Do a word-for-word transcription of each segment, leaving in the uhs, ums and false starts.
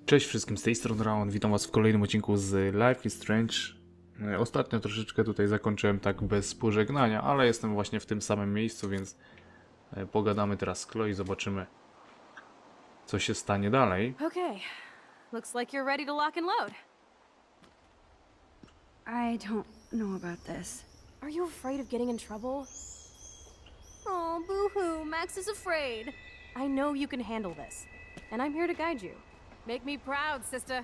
Cześć wszystkim, z tej strony Raon, witam was w kolejnym odcinku z Life is Strange. E, Ostatnio troszeczkę tutaj zakończyłem tak bez pożegnania, ale jestem właśnie w tym samym miejscu, więc e, pogadamy teraz z Chloe i zobaczymy, co się stanie dalej. Okay, looks like you're ready to lock and load. I don't know about this. Are you afraid of getting in trouble? Oh, boo-hoo, Max is afraid. I know you can handle this, and I'm here to guide you. Make me proud, sister.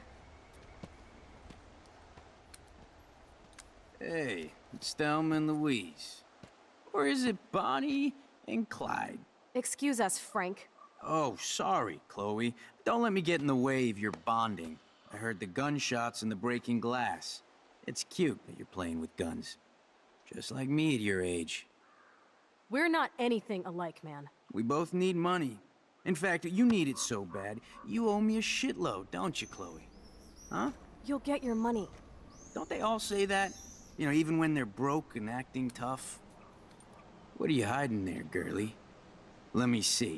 Hey, it's Thelma and Louise. Or is it Bonnie and Clyde? Excuse us, Frank. Oh, sorry, Chloe. Don't let me get in the way of your bonding. I heard the gunshots and the breaking glass. It's cute that you're playing with guns. Just like me at your age. We're not anything alike, man. We both need money. In fact, you need it so bad, you owe me a shitload, don't you, Chloe? Huh? You'll get your money. Don't they all say that? You know, even when they're broke and acting tough? What are you hiding there, girlie? Let me see.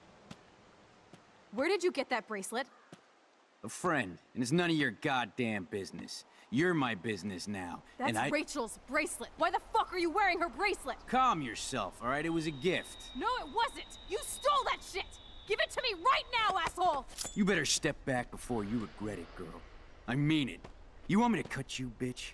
Where did you get that bracelet? A friend, and it's none of your goddamn business. You're my business now, That's and I- Rachel's bracelet. Why the fuck are you wearing her bracelet? Calm yourself, all right? It was a gift. No, it wasn't. You stole that shit. Give it to me right now, asshole. You better step back before you regret it, girl. I mean it. You want me to cut you, bitch?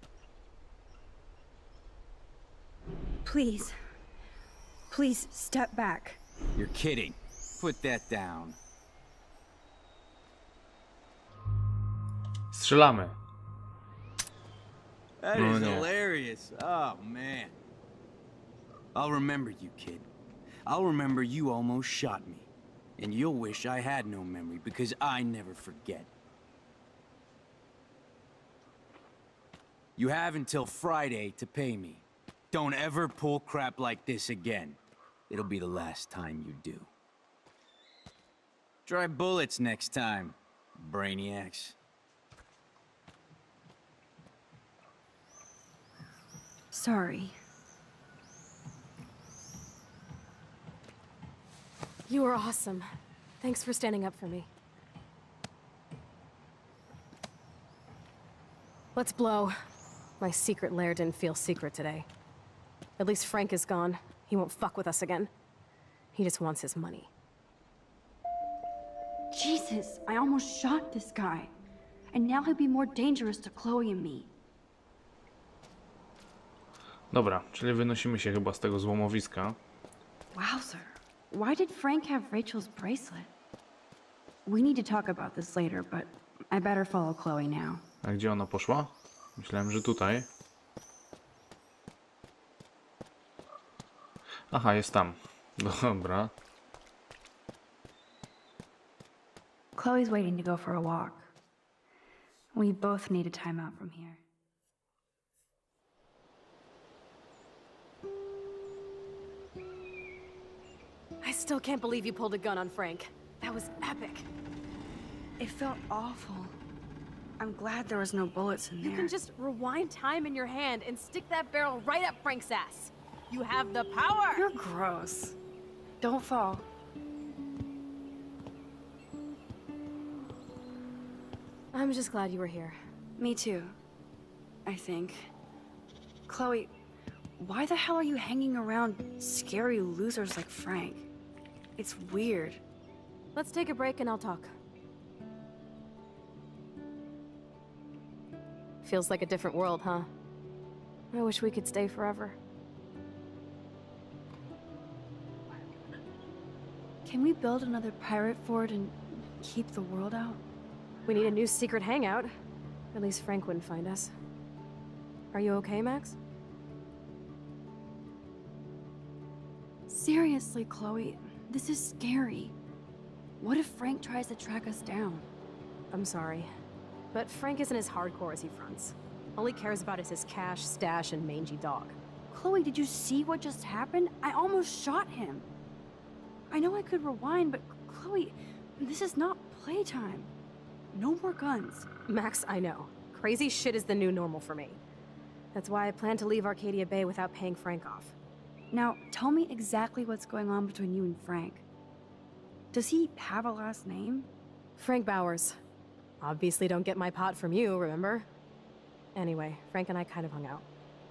Please. Please step back. You're kidding. Put that down. Strzelamy. That Oh, is no. hilarious. Oh, man. I'll remember you, kid. I'll remember you almost shot me. And you'll wish I had no memory, because I never forget. You have until Friday to pay me. Don't ever pull crap like this again. It'll be the last time you do. Try bullets next time, brainiacs. Sorry. You were awesome. Thanks for standing up for me. Let's blow. My secret lair didn't feel secret today. At least Frank is gone. He won't fuck with us again. He just wants his money. Jesus, I almost shot this guy. And now he'll be more dangerous to Chloe and me. Dobra, czyli wynosimy się chyba z tego złomowiska. Wowzer. Why did Frank have Rachel's bracelet? We need to talk about this later, but I better follow Chloe now. A gdzie ona poszła? Myślałem, że tutaj. Aha, jest tam. Dobra. Chloe's waiting to go for a walk. We both need a time out from here. I still can't believe you pulled a gun on Frank. That was epic. It felt awful. I'm glad there was no bullets in You there. can just rewind time in your hand and stick that barrel right up Frank's ass. You have the power! You're gross. Don't fall. I'm just glad you were here. Me too. I think. Chloe, why the hell are you hanging around scary losers like Frank? It's weird. Let's take a break and I'll talk. Feels like a different world, huh? I wish we could stay forever. Can we build another pirate fort and keep the world out? We need a new secret hangout. At least Frank wouldn't find us. Are you okay, Max? Seriously, Chloe, this is scary. What if Frank tries to track us down? I'm sorry. But Frank isn't as hardcore as he fronts. All he cares about is his cash, stash, and mangy dog. Chloe, did you see what just happened? I almost shot him. I know I could rewind, but Chloe, this is not playtime. No more guns. Max, I know. Crazy shit is the new normal for me. That's why I plan to leave Arcadia Bay without paying Frank off. Now, tell me exactly what's going on between you and Frank. Does he have a last name? Frank Bowers. Obviously don't get my pot from you, remember? Anyway, Frank and I kind of hung out.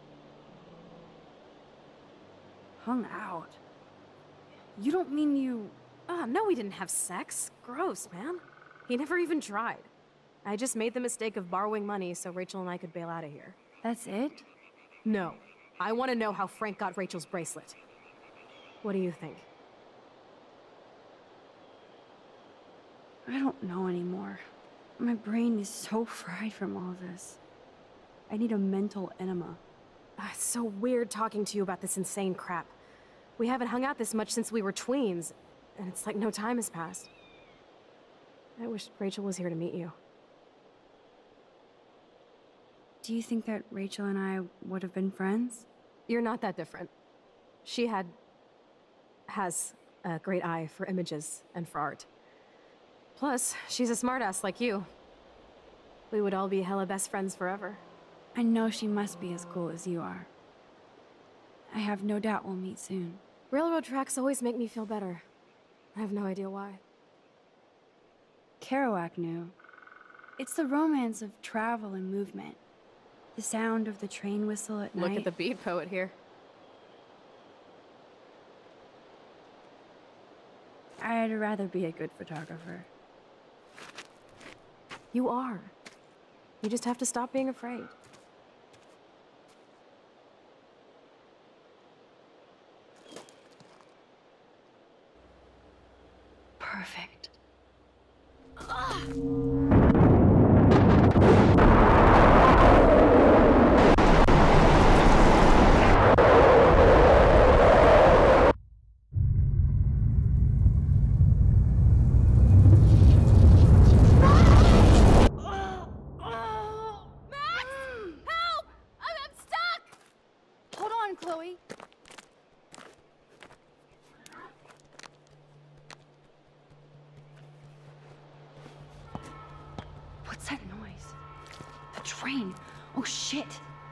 Hung out? You don't mean you... Ah, no, we didn't have sex. Gross, man. He never even tried. I just made the mistake of borrowing money so Rachel and I could bail out of here. That's it? No. I want to know how Frank got Rachel's bracelet. What do you think? I don't know anymore. My brain is so fried from all this. I need a mental enema. Ah, it's so weird talking to you about this insane crap. We haven't hung out this much since we were tweens, and it's like no time has passed. I wish Rachel was here to meet you. Do you think that Rachel and I would have been friends? You're not that different. She had... has a great eye for images and for art. Plus, she's a smartass like you. We would all be hella best friends forever. I know she must be as cool as you are. I have no doubt we'll meet soon. Railroad tracks always make me feel better. I have no idea why. Kerouac knew. It's the romance of travel and movement. The sound of the train whistle at Look night. at the beat poet here. I'd rather be a good photographer. You are. You just have to stop being afraid. Perfect. Hold on, Chloe. What's that noise? The train. Oh shit.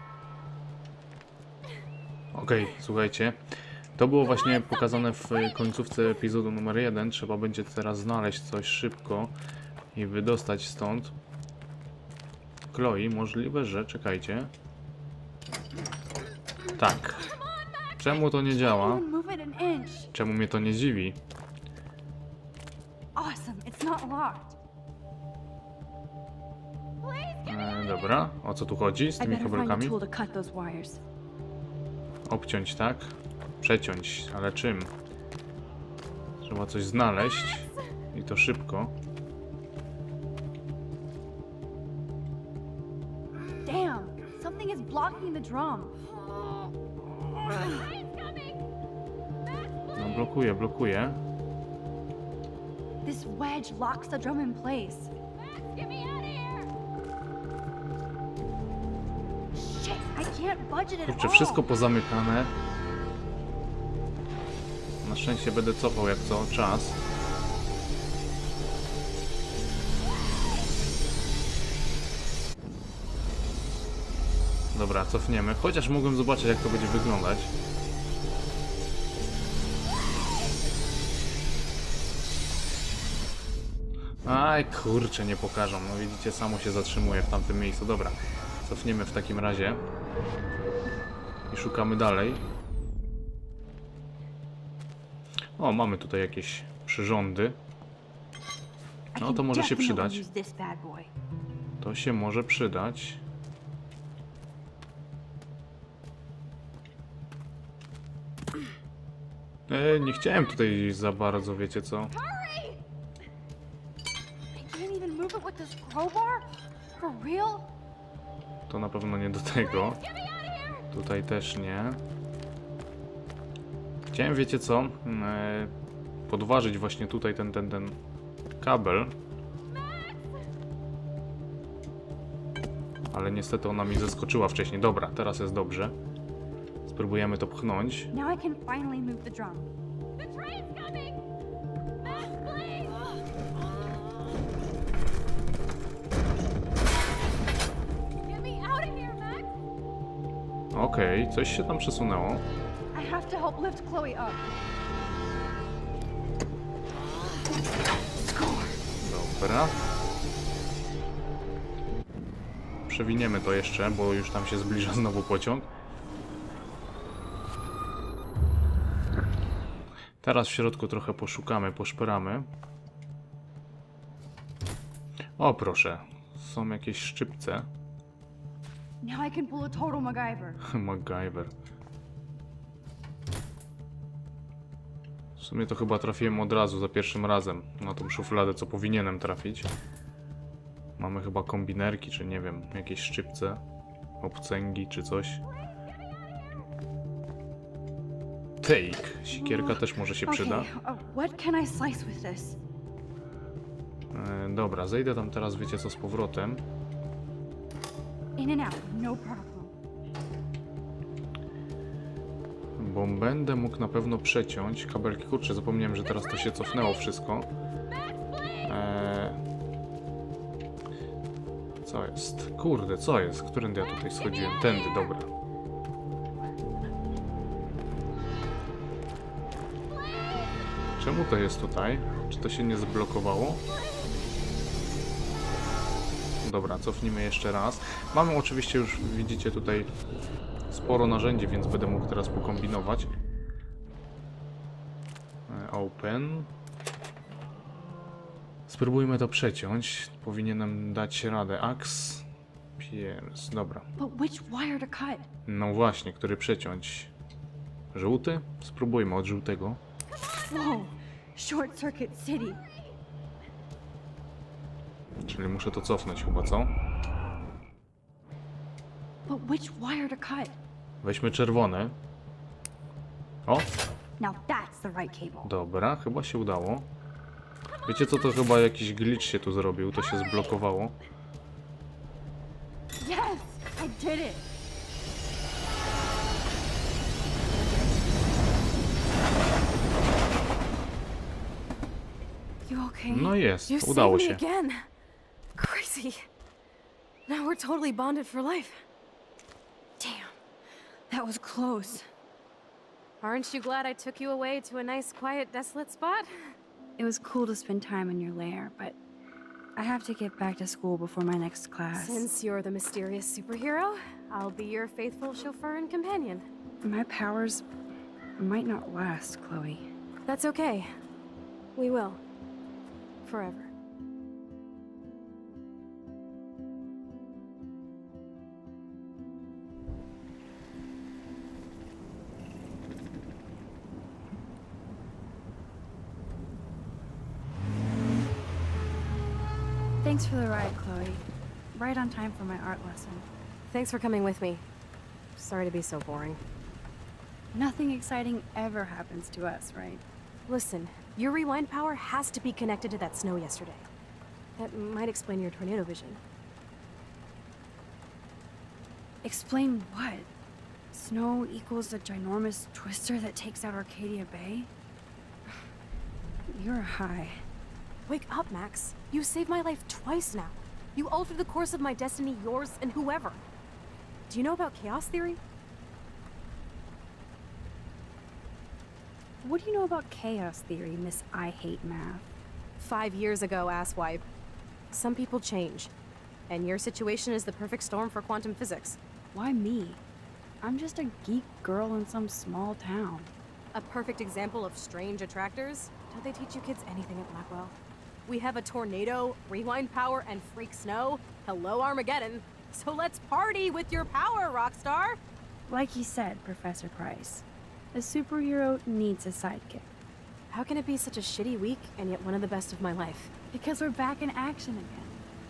Okej, słuchajcie. To było właśnie pokazane w końcówce epizodu numer jeden. Trzeba będzie teraz znaleźć coś szybko i wydostać stąd. Chloe, możliwe, że... Czekajcie. Tak. Czemu to nie działa? Even move it an inch. Czemu mnie to nie dziwi? Awesome. It's not locked. E, dobra, o co tu chodzi z I tymi better find a kabelkami? tool to cut those wires. Obciąć, tak? Przeciąć, ale czym? Trzeba coś znaleźć i to szybko. Damn! Something is blocking the drum. No blokuje, blokuje. This wedge locks the drum in place. Shit! I can't budget it Kurczę, all. wszystko pozamykane. Na szczęście będę cofał jak co czas. Dobra, cofniemy. Chociaż mogłem zobaczyć jak to będzie wyglądać. Aj, kurczę, nie pokażą. No widzicie, samo się zatrzymuje w tamtym miejscu. Dobra, cofniemy w takim razie. I szukamy dalej. O, mamy tutaj jakieś przyrządy. No to może się przydać. To się może przydać. E, nie chciałem tutaj za bardzo, wiecie co? I can't even move it with this crowbar? For real? To na pewno nie do tego. Tutaj też nie. Chciałem, wiecie co? E, podważyć właśnie tutaj ten, ten, ten kabel. Ale niestety ona mi zeskoczyła wcześniej. Dobra, teraz jest dobrze. Spróbujemy to pchnąć. Now I can finally move the drum. Okej, okay, coś się tam przesunęło. I have to help lift Chloe up. Dobra. przewiniemy to jeszcze, bo już tam się zbliża znowu pociąg. Teraz w środku trochę poszukamy, poszperamy. O proszę, są jakieś szczypce. Now I can pull a total MacGyver. MacGyver. W sumie to chyba trafiłem od razu, za pierwszym razem, na tą szufladę, co powinienem trafić. Mamy chyba kombinerki, czy nie wiem, jakieś szczypce, obcęgi, czy coś. Take. Sikierka też może się przyda. Okay, uh, what can I slice with this? E, dobra, zejdę tam teraz, wiecie co, z powrotem. In and out, no problem. Bo będę mógł na pewno przeciąć kabelki. Kurczę, zapomniałem, że teraz to się cofnęło wszystko. Eee... Co jest? Kurde, co jest? Którędy ja tutaj schodziłem? Tędy, dobra. Czemu to jest tutaj? Czy to się nie zblokowało? Dobra, cofnijmy jeszcze raz. Mamy oczywiście już, widzicie tutaj sporo narzędzi, więc będę mógł teraz pokombinować. Open. Spróbujmy to przeciąć. Powinienem dać radę. Axe. Pierce. Dobra. But which wire to cut? No właśnie, który przeciąć? Żółty? Spróbujmy od żółtego. Whoa, Short Circuit City. Czyli muszę to cofnąć chyba, co? But which wire to cut? Weźmy czerwony. O, Now that's the right cable. dobra, chyba się udało. Wiecie co, to chyba jakiś glitch się tu zrobił, to się zblokowało. Yes, I did it. You okay? No jest, You udało saved me się. again. Crazy. Now we're totally bonded for life. Damn, that was close. Aren't you glad I took you away to a nice, quiet, desolate spot? It was cool to spend time in your lair, but I have to get back to school before my next class. Since you're the mysterious superhero, I'll be your faithful chauffeur and companion. My powers might not last, Chloe. That's okay. We will. Forever. Thanks for the ride, Chloe. Right on time for my art lesson. Thanks for coming with me. Sorry to be so boring. Nothing exciting ever happens to us, right? Listen, your rewind power has to be connected to that snow yesterday. That might explain your tornado vision. Explain what? Snow equals a ginormous twister that takes out Arcadia Bay? You're high. Wake up, Max. You saved my life twice now. You altered the course of my destiny, yours, and whoever. Do you know about chaos theory? What do you know about chaos theory, Miss I Hate Math? Five years ago, asswipe. Some people change. And your situation is the perfect storm for quantum physics. Why me? I'm just a geek girl in some small town. A perfect example of strange attractors? Don't they teach you kids anything at Blackwell? We have a tornado, rewind power, and freak snow. Hello, Armageddon. So let's party with your power, Rockstar! Like you said, Professor Price, a superhero needs a sidekick. How can it be such a shitty week and yet one of the best of my life? Because we're back in action again.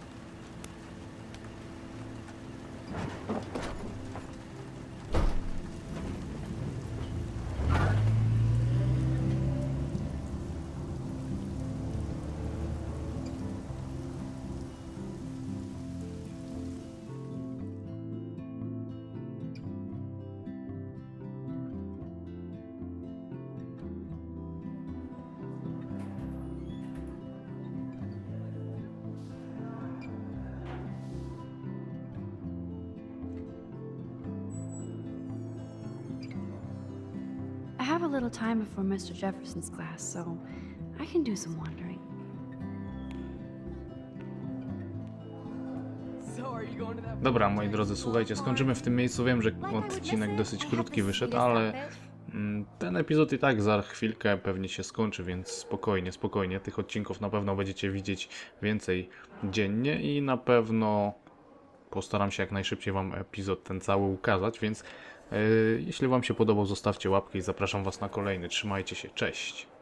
I have a little time before Mister Jefferson's class, so I can do some wandering. So Dobra, moi drodzy, słuchajcie, skończymy w tym miejscu. Wiem, że odcinek dosyć krótki wyszedł, ale mm, ten epizod i tak za chwilkę pewnie się skończy, więc spokojnie, spokojnie. Tych odcinków na pewno będziecie widzieć więcej dziennie i na pewno postaram się jak najszybciej wam epizod ten cały ukazać, więc yy, jeśli wam się podobał, zostawcie łapkę i zapraszam was na kolejny. Trzymajcie się, cześć!